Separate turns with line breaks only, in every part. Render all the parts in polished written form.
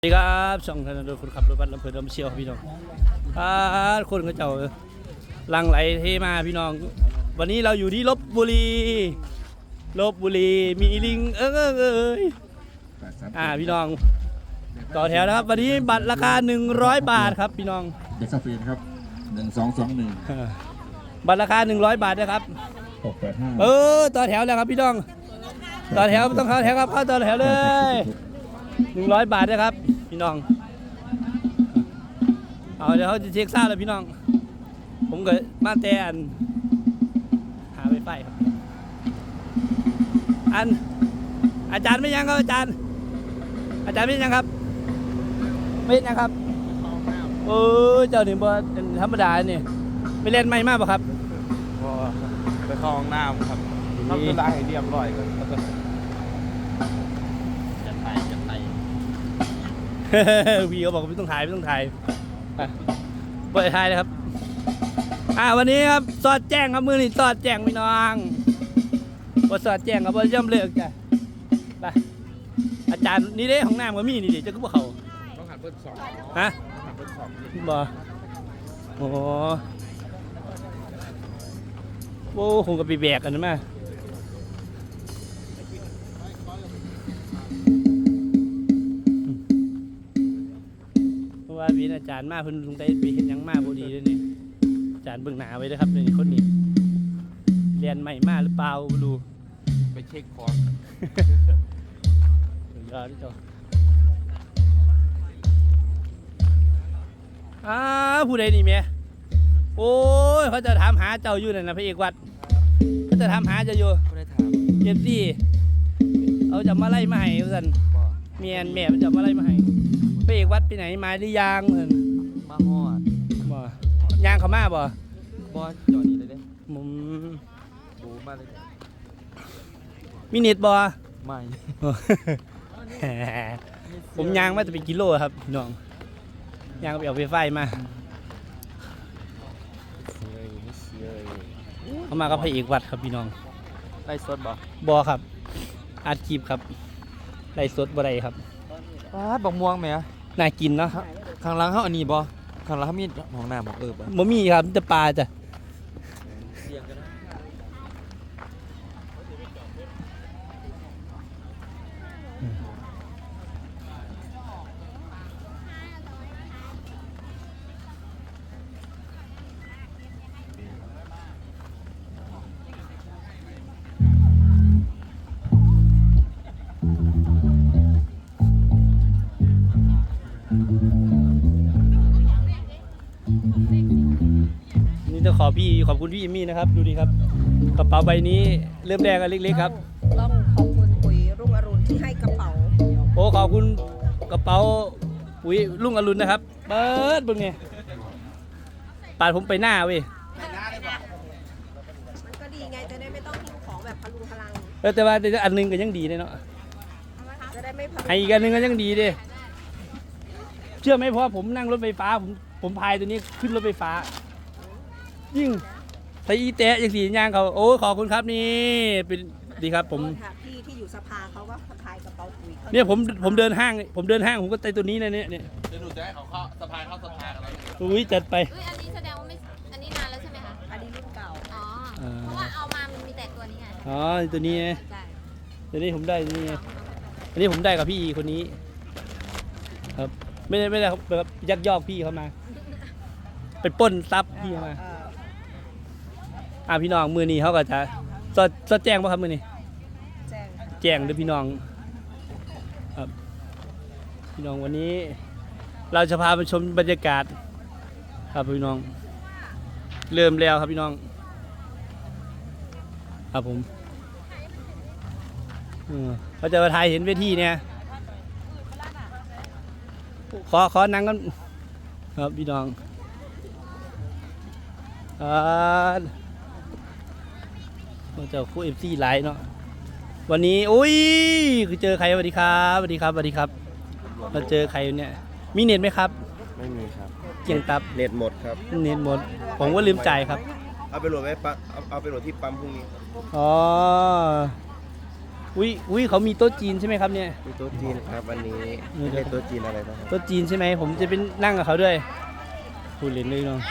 สวัสดีครับช่องธนาโดยคนขับรถบัสลำเพลินลำเชียวพี่น้องคนเขาเจ้าลังไหลเทมาพี่น้องวันนี้เราอยู่ที่ลพบุรีมีลิงพี่น้องต่อแถวนะครับวันนี้บัตรราคา100 บาทครับพี่น้อง
เด็กซาฟีนครับ1221
บัตรราคา100 บาทนะครับ
685
ต่อแถวแล้วครับพี่น้องต่อแถวต้องเข้าแถวครับเข้าต่อแถวเลย100 บาทนะครับพี่น้องเอาเดี๋ยวเขาจะเช็คซ่าแล้วพี่น้องผมก็มาแต่หาไวไฟครับอาจารย์ไม่ยังครับอาจารย์ไม่ยังครับไม่ยังครับเจ้าหนึ่งบ่ธรรมดาเนี่ยไปเล่นไม่มากป่ะครับ
ไปเข้าห้องน้ำครับทำธุระให้เรียบร้อยก่อนจะไป
วีเขาบอกไม่ต้องถ่ายปล่อยถ่ายเลยครับวันนี้ครับสอดแจ้งครับมือนี่สอดแจ้งพี่น้องว่าสอดแจ้งครับว่าย่ำเลิกจ้ะไปอาจารย์นี่เด้ของน้ำก็มีนี่ดิจะก็บอกเขา
ต้องหันเบิ้ลสอง
ฮะ
หันเบิ้ลสอง
บ่โอ้คงกับไปแบกกันนะแม่ว่าพี่อาจารย์มาเพิ่นลงไปเห็นยังมาพอดีเลยนี่อาจารย์เบิ่งหนาไว้ด้วยครับนี่คนนี้เรียนใหม่มาหรือเปล่าไม่รู้
ไปเช็คคอร์ส
รอที่จอผู้ใดนี่แม่โอ้ยเขาจะถามหาเจ้าอยู่นั่นนะพระเอกวัดเขาจะถามหาเจ้าอยู่
ไม่ได้ถาม
เจ็บซี่เอาจะมาไล่มาให้เพื่อนเมียนแม่มันจะมาไล่มาให้พระเอกวัดไปไหนมาหรือยังเพื่อน
มาฮอด
บ่ยางเขามาบ่
จอดนี่เลยเด้
มุม
บูมาเลย
มินิทบ่
ไม่
ผมยางมาจะเป็นกิโลครับน้องยางไปเอาไฟไฟมาเขามากับพระเอกวัดครับพี่น้อง
ไล่สดบ่
ครับอัดคลิปครับไล่สดบ่ได้ครับ
บอกม่วงไหม
น่ากินเนาะ
ข้างหลังเขาอันนี้บ่ข้างหลังเขามีห้องน้ำบ่
บ่มีครับจะปลาจ้ะนี่ต้องขอบคุณพี่เอมี่นะครับดูดีครับกระเป๋าใบนี้เริ่มแรกเล็กๆครับ
ต้องขอบคุณปุ๋ยรุ่งอรุณที่ให้กระเป๋า
ขอบคุณกระเป๋าปุ๋ยรุ่งอรุณนะครับเปิดบึงเนี่ยปาดผมไปหน้าเว้ย
มันก็ดีไงจะได้ไม่ต้องหิ้วของแบบพลุงพลัง
แต่ว่าอันนึงก็ยังดีเลยเนาะ
จะได้ไม่
ให้อีกอันนึงก็ยังดีดิเชื่อไหมเพราะผมนั่งรถไฟฟ้าผมพายตัวนี้ขึ้นรถไฟฟ้ายิ่งตีแตะอย่างสีย่างเขาขอบคุณครับนี่เป็นดีครับผม
พี่ที่อยู่สภาเขาก็พายกระเป๋าปุ๋ย
เนี่ยผมเดินห้างผมก็ใส่ตัวนี้นะเนี่ย
เดี๋ยวหนูจะให้เขาสะพายเข้าสภากันแล้ว
อุ้ยจัดไป
อันนี้แสดงว่าไม่อันนี้นานแล้วใช่ไหมคะ
อันนี้รุ่นเก่า
เพราะว่าเอามามันมีแต่ตัวนี้ไง
ตัวนี้
ใช่
ตัวนี้ผมได้นี่อันนี้ผมได้กับพี่คนนี้ครับไม่ได้แบบยักยอกพี่เขามาไปปล้นทรัพย์พี่มาพี่น้องมือนี้เขาก็จะสอดแจ้งป่ะครับมือนี้แจ้งด้วยพี่น้องครับพี่น้องวันนี้เราจะพาไปชมบรรยากาศครับพี่น้องเริ่มแล้วครับพี่น้องครับผมเขาจะมาถ่ายเห็นเวทีเนี่ยขอนั่งกันครับพี่น้องเจ้าคู่FCไลน์เนาะวันนี้คือเจอใครสวัสดีครับเราเจอใครเนี่ยมีเน็ตไหมครับ
ไม่มีครับ
เกียงตับ
เน็ตหมดครับ
เน็ตหมดผมว่าลืมจ่ายครับ
เอาไปโหลดไว้เอาไปโหลดที่ปั๊มพรุ่งนี้
อุ้ยเขามีโต๊ะจีนใช่ไหมครับเนี่ย
มีโต๊ะจีนครับวันนี้
นี่
ไม่ใช่โต๊ะจีนอะไรนะครับ
โต๊ะจีนใช่ไหมผมจะเป็นนั่งกับเขาด้วยพูดเล่นเลยน้อง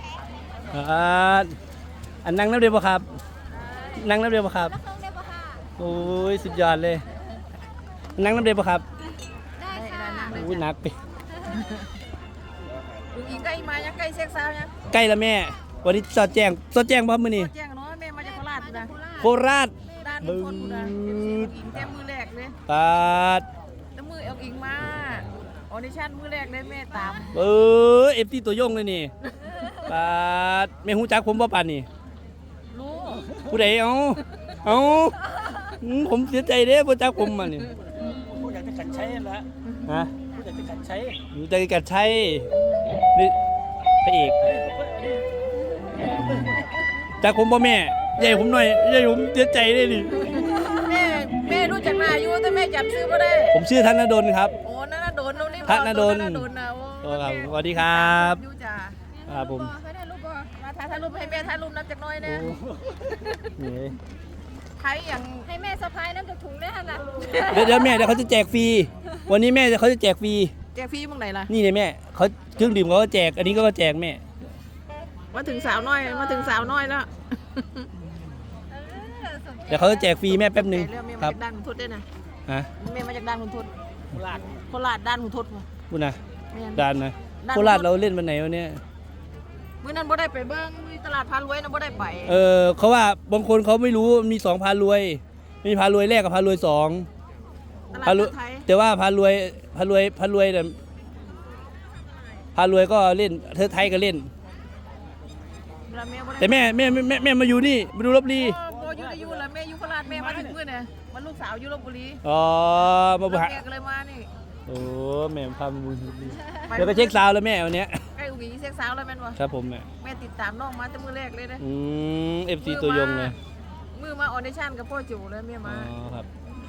อันนั่งน้ำเดียวปะครับ นั่งน้ำเดียวปะครับ
แล้วเครื่องได้ปะค่ะ
โอ้ยสุดยอดเลย นั่งน้ำเดียวปะครับ
ได้ค่ะ
โอ้ยหนักไป
ลูกอีใกล้มายังใกล้เซ็กซาวยัง
ใกล้แล้วแม่ วันนี้สอดแจ้งพ่อมือนี่
แจ้งน้อยแม่มาจากโคราชนะ
โคราช
ด้านลุงพลกูนะลูกอิงแก้มือแรกเลย
ปาด
แล้วมือเอาอิงมาออดิชั่นมือแรกเลยแม่ตาม
เอฟซีตัวยงเลยนี่ปาดแม่หูจักผมบ่ปานนี่
รู้
ผู้ใดเอาผมเสียใจเด้บ่จักผมมานี่
ผู้อยากจะกัดใช้แล้ว
ฮะ
ผู้อยากจะกัดใช้
อยู่ใจกัดชัยนี่พระเอกจักผมบ่แม่ใหญ่ผมหน่อยใหญ่ผมเสียใจเลยนี่
แม่รู้จักนาอยู่แต่แม่จำชื่อไม่ได้
ผมชื่อธนดลครับ
โอ้นั่นน่ะโดนนี่
ธนดล
นะโอ้
โอ้ครับสวัสดีครับ
อยู่จ้า
ครับผม
ไม่ได้รูปบ่มาถ่ายรูปให้แม่ถ่ายรูปนับจากน้อยนะ
นี่
ใครอย่าง
ให้แม่สะพายน้ำจากถุงได้ขนาด
เดี๋ยวแม่เดี๋ยวเขาจะแจกฟรีวันนี้แม่เขาจะแจกฟรี
แจกฟรีมึงไหนล่ะ
นี่เลยแม่เขาเครื่องดื่มเขาก็แจก อันนี้ก็แจกแม่
มาถึงสาวน้อยมาถึงสาวน้อยแล้ว
เดี๋ยวเขาจะแจกฟรีแม่แป๊บหนึ่ง
เรื่องแม่
ค
มา
รับ
จากด้านคุณทุดด้วยนะ
ฮะ
แม่มาจากด้านคุณทุดโคราชด้านคุณทุด
พูดนะ
แม่น
ดานนะ
ด้าน
โคราชเราเล่นวันไหนวันเนี้ย
มื้อนั้นบ่ได้ไปเบิ่งมีตลาดพารวยนะบ่ได้ไป
เขาว่าบางคนเขาไม่รู้มีสองพารวย มีพารวยแรกกับพารวยสอง
ตลาด
พารวย
ไทย
แต่ว่าพารวยเนี่ยพารวยก็เล่นเธอไทยก็เล่น
เวลาแม่บ่ได้
แต่แม่มาอยู่นี่มาดูลบลี
บ่อยู่แล้วแม่อยู่โคราชแม่มาถึงมื้อน่ะมันลูกสาวอยู่ลพบุรี
อ๋อมาบุหะ
แม่ก็เลยมานี่
โอ้แม่พามาบุญเดี๋ยวไปเช็คซาวด์แล้วแม่วันเนี้ย
ใกล้อุ๋งอิงเซ็กสาวแล้วแม่นบ่
ครับผมแม่
แม่ติดตามน้องมาแต่มื้อแรกเลยนะ
FC ตัวยงเลย
มือมาออดิชั่นกับพ่อจูเลยแม่
อ๋
มา
อครับ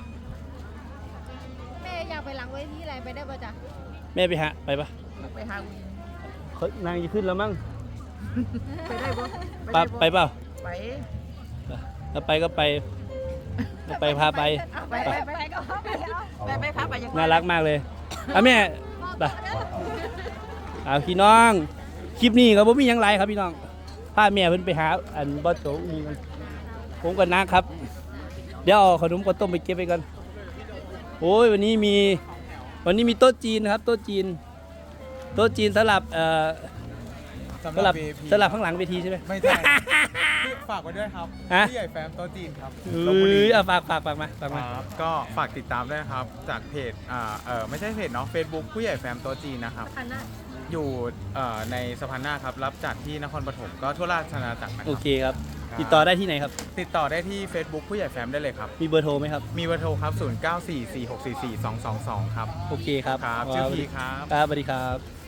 แม่อยากไปหลังเวทีอะไรไปได้ปะจ๊ะ
แม่ไปหาไปปะ
ไปหาอุ๋งอิง
เขานางจะขึ้นแล้วมั้ง
ไปได้บ่
ไปเปล่า
ไป
แล้วไปก็ไปแล้วไปพาไป
ไปก็ไปพาไปอย่าง
น่ารักมากเลยอ่ะแม่ไปเอาพี่น้องคลิปนี้ครับผมมีหยังไรครับพี่น้องพาแม่เพิ่นไปหาอันบอสโจนี่กันผมกับน้าครับ เดี๋ยวเอาขนมข้าวต้มไปเก็บไปกันโอ้ยวันนี้มีโต๊ะจีนนะครับโต๊ะจีนสลับสลับข้างหลังเวทีใช่ไหม
ไม่ใช่ฝากไว้ด้วยครับ
ฮะ
ผู้ใหญ่แฟมโต๊ะจีนครับ
เอ้ยเอาฝากมา
ครับก็ฝากติดตามด้วยนะครับจากเพจไม่ใช่เพจเนาะ Facebook ผู้ใหญ่แฟมโต๊ะจีนนะครับ อยู่ในสะพานหน้าครับรับจัดที่นครปฐมก็ทั่วราชอาณาจักรนะค
โอ
รับ
เคครับ ติดต่อได้ที่ไหนครับ
ติดต่อได้ที่ Facebook ผู้ใหญ่แฟมได้เลยครับ
มีเบอร์โทรไหมครับ
มีเบอร์โทรครับ 0944644222 ครับ
โอเคครับ
ครับชื่อพีครับ
ครับสวัสดีครับ